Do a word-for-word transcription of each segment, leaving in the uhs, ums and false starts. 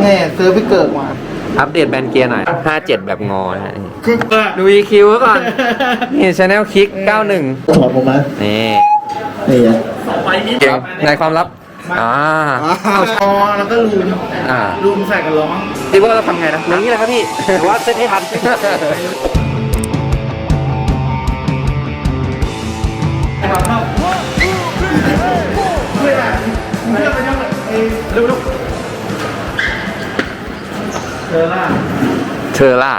แง่ซื้อพี่เกิดมาอัปเดตแบนเกียร์หน่อยห้าเจ็ดแบบงอนะคือดู อี คิว ก่อนนี่ Channel Kick เก้าสิบเอ็ดถอดผมมานี่นี่ไงเก่งในความลับอ่าเอาช้อแล้วก็ลูมอ่าลูมใส่กันร้องที่ว่าเราทำไงนะอย่างนี้เลยครับพี่แต่ว่าเซตให้ทันเร็วๆเธอล่ะเธอล่ะ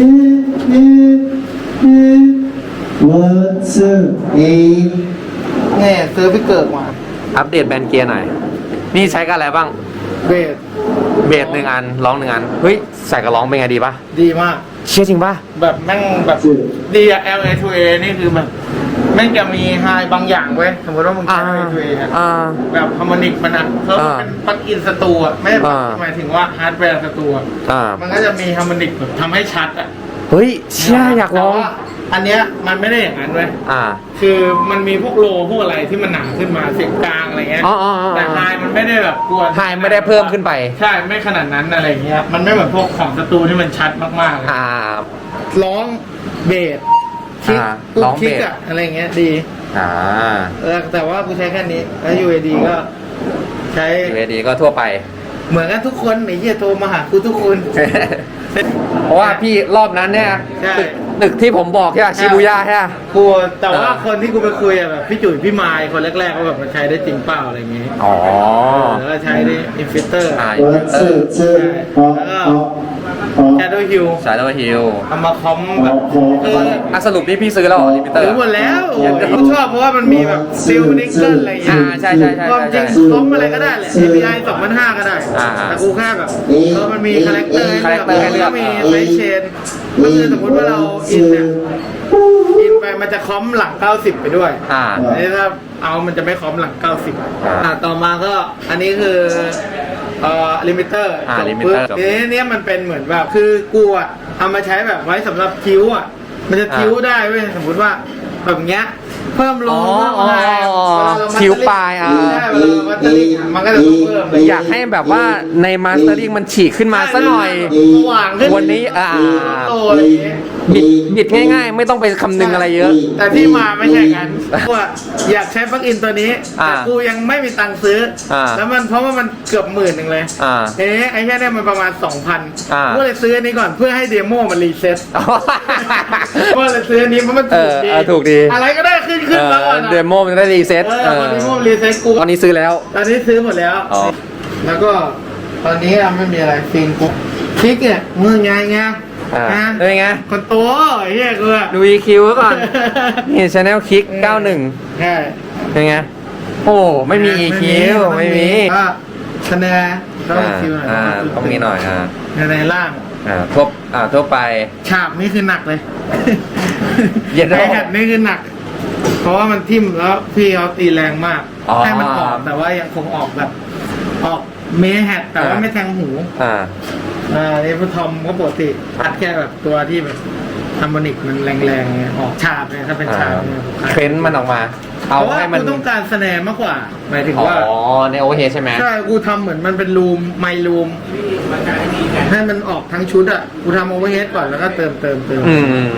วันเซอร์เอแง่ซื้อพี่เกิดมาอัปเดตแบนเกียร์หน่อยนี่ใช้กับอะไรบ้างเบสเบสหนึ่งอันร้องหนึ่งอันเฮ้ยใส่กับร้องเป็นไงดีปะดีมากเชื่อจริงปะแบบแม่งแบบดีอะ แอล เอ ทู เอ นี่คือแบบแม่งจะมีไฮบางอย่างเว้ยสมมติว่ามึงใช้ แอล เอ ทู เอ เนี่ยแบบฮาร์โมนิกมันอะเพิ่มเป็นปลั๊กอินสตูอะไม่หมายถึงว่าฮาร์ดแวร์สตูอะมันก็จะมีฮาร์โมนิกแบบทำให้ชัดอะเฮ้ยเชื่ออยากลองอันเนี้ยมันไม่ได้อย่างนั้นเว้ยอ่าคือมันมีพวกโลพวกอะไรที่มันหนาขึ้นมาเสียงกลางอะไรเงี้ยแต่ไฮมันไม่ได้แบบกวนไฮไม่ได้เพิ่มขึ้นไปใช่ไม่ขนาดนั้นอะไรเงี้ยมันไม่เหมือนพวกของสตูที่มันชัดมากๆอ่าร้องเบสคิกร้องเบสอะไรเงี้ยดีอ่าเออแต่ว่ากูใช้แค่นี้แล้ว ยู เอ ดี ก็ใช้ยู เอ ดี ก็ทั่วไปเหมือนกันทุกคนไอ้เหี้ยโทรมาหากูทุกคนเพราะว่าพี่รอบนั้นเนี่ยตึกที่ผมบอกใช่ไหมชิบูย่าใช่ไหมกูแต่ว่าคนที่กูไปคุยอะแบบพี่จุ๋ยพี่มายคนแรกๆก็แบบมันใช้ได้จริงเปล่าอะไรเงี้ยอ๋อแล้วก็ใช้ได้อินฟิเตอร์อ่าอินฟิเตอร์แล้วก็แชโดว์ฮิลแชโดว์ฮิลเอามาคอมแบบคืออ่ะสรุปนี่พี่ซื้อแล้วอินฟิเตอร์ซื้อหมดแล้วผมชอบเพราะว่ามันมีแบบซิลนิกเกิลอะไรอย่างเงี้ยใช่ใช่ใช่ความจริงคอมอะไรก็ได้แหละ เอ พี ไอ สองพันห้าก็ได้แต่กูแค่แบบเออมันมีคาแรคเตอร์ให้เลือกมีไซส์เชนก็คือสมมติว่าเราอินเนี่ยอินไปมันจะคอมหลังเก้าสิบไปด้วยอ่าอันนี้ถ้าเอามันจะไม่คอมหลังเก้าสิบอ่าต่อมาก็อันนี้คือเอ่อลิมิเตอร์อ่าลิมิเตอร์นี้เนี่ยมันเป็นเหมือนแบบคือกูอ่ะเอามาใช้แบบไว้สำหรับคิ้วอ่ะมันจะคิ้วได้เว้ยสมมติว่าแบบเงี้ยเพิ่มโลเพิ่มไฮคิ้วปลายอ่ะมันก็จะเพิ่มอยากให้แบบว่าในมาสเตอร์ลิงมันฉีกขึ้นมาสักหน่อยวันนี้อ่าบิดบิดง่ายๆไม่ต้องไปคำนึงอะไรเยอะแต่ที่มาไม่ใช่กันว่าอยากใช้ปลั๊กอินตัวนี้แต่กูยังไม่มีตังค์ซื้อแล้วมันเพราะว่ามันเกือบหมื่นหนึ่งเลยเอ๊ะไอ้แค่นี้มันประมาณสองพันก็เลยซื้ออันนี้ก่อนเพื่อให้เดโมมันรีเซ็ตก็เลยซื้ออันนี้เพราะมันถูกดีถูกดีอะไรก็ได้ขึ้นขึ้นแล้วอ่ะเดโมมันได้รีเซ็ตเออเดโมรีเซ็ตกูตอนนี้ซื้อแล้วตอนนี้ซื้อหมดแล้วแล้วก็ตอนนี้ไม่มีอะไรฟินกูคลิกเนี่ยมือไงไงอ่าเป็นไงคนโตไอ้เหี้ยกูดู อี คิว ก่อนนี่ Channel Kick เก้าสิบเอ็ดใช่เป็นไงโอ้ไม่มี อี คิว ไม่มีคะแนนต้อง อี คิว หน่อยอ่าต้องมีหน่อยอ่าในล่างอ่าทั่วอ่าทั่วไปฉาบนี่คือหนักเลยเย็นไอแฮดนี่คือหนักเพราะว่ามันทิ่มแล้วพี่เขาตีแรงมากให้มันออกแต่ว่ายังคงออกแบบออกเมแฮดแต่ว่าไม่แทงหูอ่าอ่านี่พอทอมก็ปกติอัดแค่แบบตัวที่แบบฮาร์โมนิกมันแรงๆออกฉาบเนี่ยถ้าเป็นฉาบเฟ้นมันออกมาเอาให้มันต้องการแสดงมากกว่าหมายถึงว่าอ๋อในโอเฮใช่ไหมใช่กูทำเหมือนมันเป็นรูมไมรูมให้มันออกทั้งชุดอ่ะกูทำโอเวอร์เฮดก่อนแล้วก็เติมเติมเติม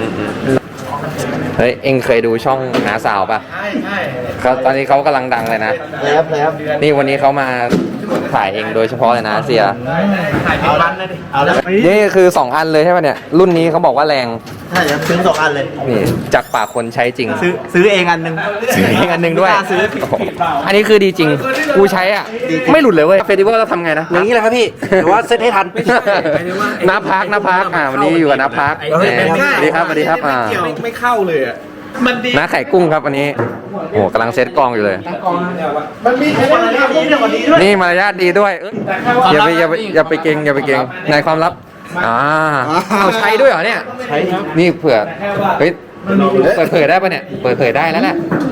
เฮ้ยเอ็งเคยดูช่องหาสาวป่ะใช่ใช่เขาตอนนี้เขากำลังดังเลยนะแล้วแล้วนี่วันนี้เขามาถ่ายเองโดยเฉพาะเลยนะเสียถ่ายเป็นวันเลยดิเอาแล้วนี่คือสองอันเลยใช่ป่ะเนี่ยรุ่นนี้เขาบอกว่าแรงใช่ครับซื้อสองอันเลยนี่จากปากคนใช้จริงซื้อซื้อเองอันหนึ่งซื้อเองอันหนึ่งด้วยอันนี้คือดีจริงกูใช้อ่ะไม่หลุดเลยเว้ยเฟสติวัลเราทำไงนะอย่างนี้แหละครับพี่แต่ว่าเซตให้ทันน้าพักน้าพักอ่าวันนี้อยู่กับน้าพักสวัสดีครับสวัสดีครับอ่าไม่เข้าเลยอ่ะมันดีน้าไข่กุ้งครับวันนี้โอ้กำลังเซตกองอยู่เลยมันมีมารยาทดีด้วยนี่มารยาทดีด้วยอย่าไปอย่าไปอย่าไปเก่งอย่าไปเก่งในความลับอ่าเอาใช้ด้วยเหรอเนี่ยใช้ครับนี่เผื่อเฮ้ยเปิดเผยได้ปะเนี่ยเปิดเผยได้แล้วแหละ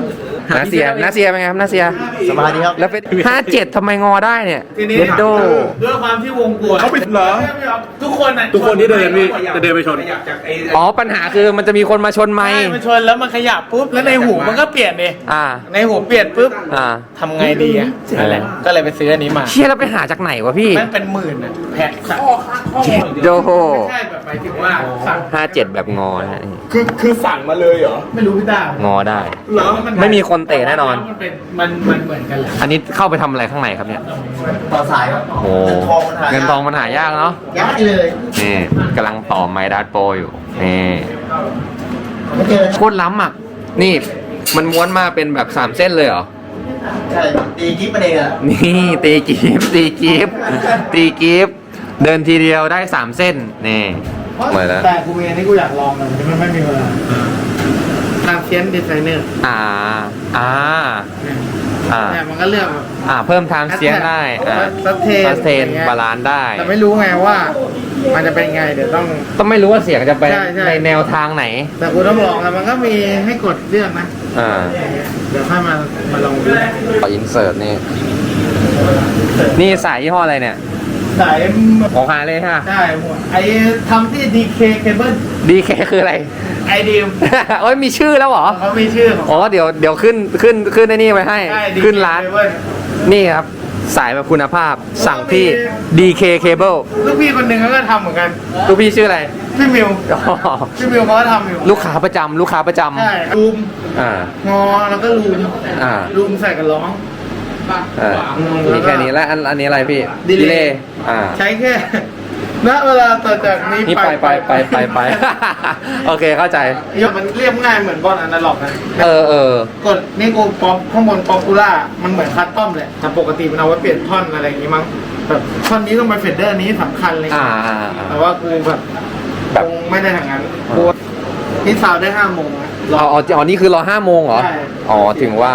นาเซียนาเซียเป็นไงครับนาเซียสบายดีครับแล้วเป็นห้าเจ็ดทำไมงอได้เนี่ยทีนี้เดดโดด้วยความที่วงกลมเขาปิดเหรอทุกคนอ่ะทุกคนที่เดินพี่จะเดินไปชนอ๋อปัญหาคือมันจะมีคนมาชนไมใช่ค์มันชนแล้วมันขยับปุ๊บแล้วในหูมันก็เปลี่ยนดิอ่าในหูเปลี่ยนปุ๊บอ่าทำไงดีอ่ะนั่นแหละก็เลยไปซื้ออันนี้มาเชี่ยแล้วไปหาจากไหนวะพี่มันเป็นหมื่นอ่ะแพ็คสั่งโดโหไม่ใช่แบบหมายถึงว่าสั่งห้าเจ็ดแบบงอนะฮะคือคือสั่งมาเลยเหรอไม่รู้พี่ตางอได้เหรอไม่มีคนเตะแน่นอนมันเป็นมันมันเหมือนกันแหละอันนี้เข้าไปทำอะไรข้างในครับเนี่ยต่อสายครับโอ้เงินทองมันหายากเนาะยากเลยนี่กำลังต่อไมดัสโปรอยู่นี่ไม่เจอโคตรล้ำอ่ะ นี่มันม้วนมาเป็นแบบสามเส้นเลยเหรอใช่ตีกิ๊บประเด็นอะนี่ตีกีบตีกีบตีกีบเดินทีเดียวได้สามเส้นนี่เหมือนแล้วแต่กูเองนี่กูอยากลองเลยมันไม่มีเวลาทางเซียนดีไซเนอร์อ่าอ่าอ่าเนี่ยมันก็เลือกอ่าเพิ่มทางเสียงได้อ่าซัสเทนซัสเทนบาลานซ์ได้แต่ไม่รู้ไงว่า มันจะเป็นไงเดี๋ยวต้องต้องไม่รู้ว่าเสียงจะไปใช่ใช่ในแนวทางไหนแต่กูต้องลองแต่มันก็มีให้กดเลือกนะอ่าเดี๋ยวค่อยมามาลองดูขออินเสิร์ตนี่ นี่สายยี่ห้ออะไรเนี่ยสายของฮาเลยฮะใช่หัวไอ้ทำที่ ดี เค Cable ดีเคคืออะไรไอดีมโอ้ยมีชื่อแล้วเหรอเขามีชื่อของอ๋อเดี๋ยวเดี๋ยวขึ้นขึ้นขึ้นไอ้นี่ไว้ให้ใช่ ดีขึ้นร้าน Cable นี่ครับ สายแบบคุณภาพสั่งที่ ดี เค Cable ลูกพี่คนหนึ่งเขาก็ทำเหมือนกันลูกพี่ชื่ออะไรพี่มิวอ๋อพี่มิวเขาก็ทำอยู่ลูกค้าประจำลูกค้าประจใช่รูมำอ่างอแล้วก็รูมอ่ารูมใส่กับร้องอ่ามีแค่นี้แล้วอันอันนี้อะไรพี่ดีเลย์เลย์อ่าใช้แค่ ณเวลาต่อจากนี้นี่ไปไปไปไปไป โอเคเข้าใจยกมันเรียบง่ายเหมือนบอลอนาล็อกนะเออเออกดนี่กูป๊อปข้างบนป๊อปปูล่ามันเหมือนคัสตอมเลยแต่ปกติมันเอาไว้เปลี่ยนท่อนอะไรอย่างงี้มั้งแบบท่อนนี้ต้องไปเฟดเดอร์นี้สำคัญเลยอ่าอ่าอ่าแต่ว่ากูแบบแบบคงไม่ได้ทางนั้นกูนี่ซาวได้ห้าโมงนะรออ๋ออ๋ออ๋อนี่คือรอห้าโมงเหรอใช่อ๋อถึงว่า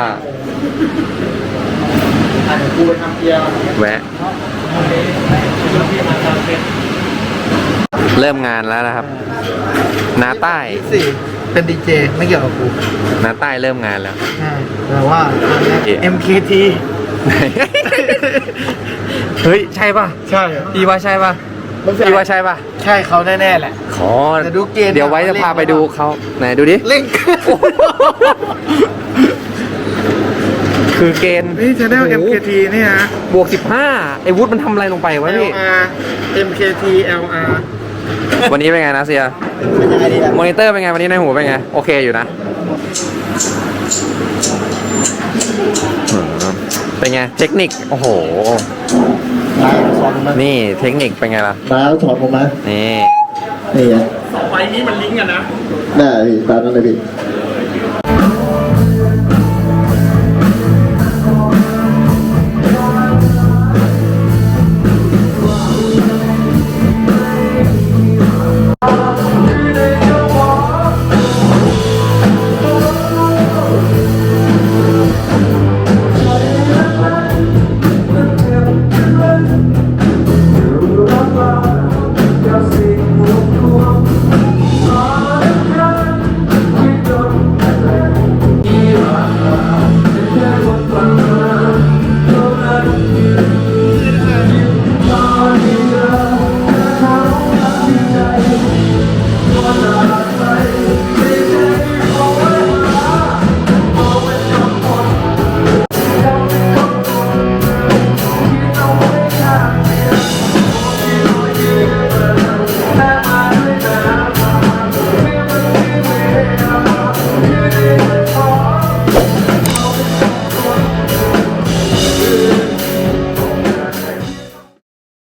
อ่ะเดี๋ยวกูไปทำเกียร์แวะ เริ่มงานแล้วนะครับ นาใต้สี่เป็นดีเจไม่เกี่ยวกับกูนาใต้เริ่มงานแล้วใช่แต่ว่า เอ็ม เค ทีเฮ้ย ใช่ป่ะใช่พี่ว่าใช่ป่ะพี่ว่าใช่ป่ะใช่เขาแน่ๆแหละขอแต่ดูเกณฑ์เดี๋ยวไว้จะพาไปดูเขาไหนดูดิเล่งคือเกณฑ์นี่ชาแนล เอ็ม เค ที นี่ฮะบวกสิบห้าไอ้วุฒิมันทำอะไรลงไปวะพี่แอล อาร์ เอ็ม เค ที แอล อาร์วันนี้เป็นไงนะเซียเป็นยังไงดีล่ะมอนิเตอร์เป็นไงวันนี้ในหูเป็นไง โอเคอยู่นะอืมเป็นไง เทคนิค โอ้โหมาสอนมานี่เทคนิคเป็นไงล่ะมาสอนผมมานี่นี่ไงไฟนี้มันลิงก์กันนะได้พี่ตามนั้นเลยพี่